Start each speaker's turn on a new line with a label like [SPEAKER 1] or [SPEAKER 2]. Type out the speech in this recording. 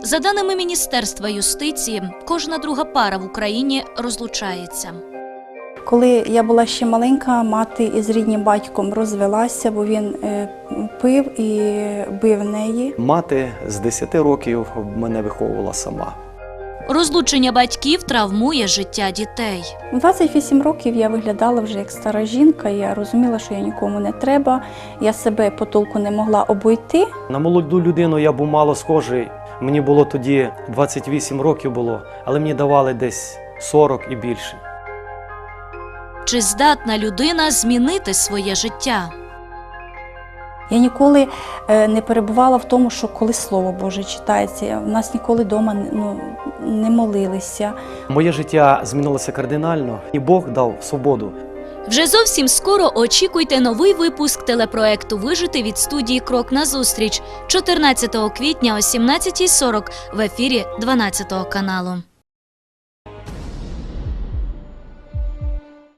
[SPEAKER 1] За даними Міністерства юстиції, кожна друга пара в Україні розлучається.
[SPEAKER 2] Коли я була ще маленька, мати із рідним батьком розвелася, бо він пив і бив неї.
[SPEAKER 3] Мати з 10 років мене виховувала сама.
[SPEAKER 1] Розлучення батьків травмує життя дітей.
[SPEAKER 2] У 28 років я виглядала вже як стара жінка, я розуміла, що я нікому не треба, я себе потолку не могла обійти.
[SPEAKER 3] На молоду людину я був мало схожий. Мені було тоді 28 років було, але мені давали десь 40 і більше.
[SPEAKER 1] Чи здатна людина змінити своє життя?
[SPEAKER 2] Я ніколи не перебувала в тому, що коли Слово Боже читається, в нас ніколи вдома не молилися.
[SPEAKER 3] Моє життя змінилося кардинально, і Бог дав свободу.
[SPEAKER 1] Вже зовсім скоро очікуйте новий випуск телепроекту «Вижити» від студії «Крок назустріч» 14 квітня о 17:40 в ефірі 12 каналу.